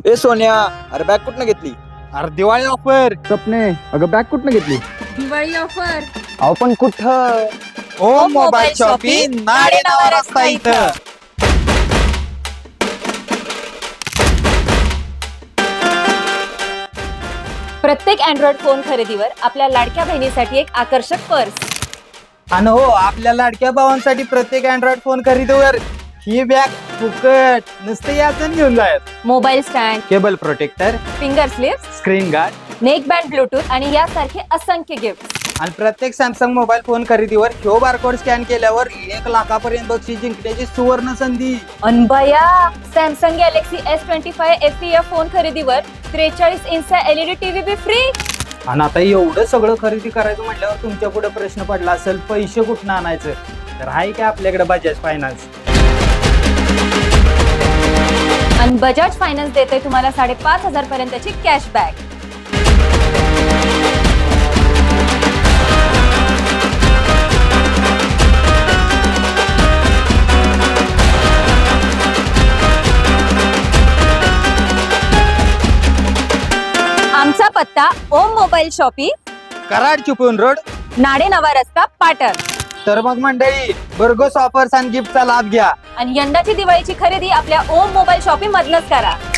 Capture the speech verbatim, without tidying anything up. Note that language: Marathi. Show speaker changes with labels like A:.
A: ए सोन्या, अरे बॅग कुठनं घेतली?
B: अरे दिवाळी ऑफर.
A: सपने, अगं बॅग कुठनं घेतली?
C: दिवाळी ऑफर.
A: अहो पण कुठं?
B: ओम मोबाईल शॉपिंग नाडे नावा रस्ता इथं.
C: प्रत्येक अँड्रॉइड फोन खरेदीवर आपल्या लाडक्या बहिणीसाठी एक आकर्षक पर्स.
B: आणि हो, आपल्या लाडक्या भावांसाठी प्रत्येक अँड्रॉइड फोन खरेदीवर ही बॅग फुकट. नुसते याचं घेऊन जायचं.
C: Mobile stand,
B: cable protector,
C: finger slip,
B: screen guard
C: neck band, Bluetooth आणि यासारखे असंख्य गिफ्ट.
B: आणि प्रत्येक सॅमसंग मोबाईल फोन खरेदीवर ह्यो बारकोड स्कॅन केल्यावर एक लाखापर्यंत बक्षीस जिंकण्याची सुवर्ण संधी.
C: अनबया, Samsung Galaxy S twenty five F P F phone खरेदीवर त्रेचाळीस इंचचा एलईडी टीव्ही बी फ्री.
B: आणि आता एवढं सगळं खरेदी करायचं म्हटल्यावर तुमच्या पुढे प्रश्न पडला असेल, पैसे कुठनं आणायचं? तर आहे काय आपल्याकडे बजाज फायनान्स.
C: आणि बजाज फायनान्स देते तुम्हाला साडेपाच हजार पर्यंतची कॅशबॅक. आमचा पत्ता Om mobile shopping,
B: Karad Chiplun road.
C: Nade नवा रस्ता, पाटण.
B: तर मग मंडळी, भरघोस ऑफर्स आणि गिफ्टचा लाभ घ्या.
C: आणि यंदाची दिवाळीची खरेदी आपल्या ओम मोबाईल शॉपिंग मधनच करा.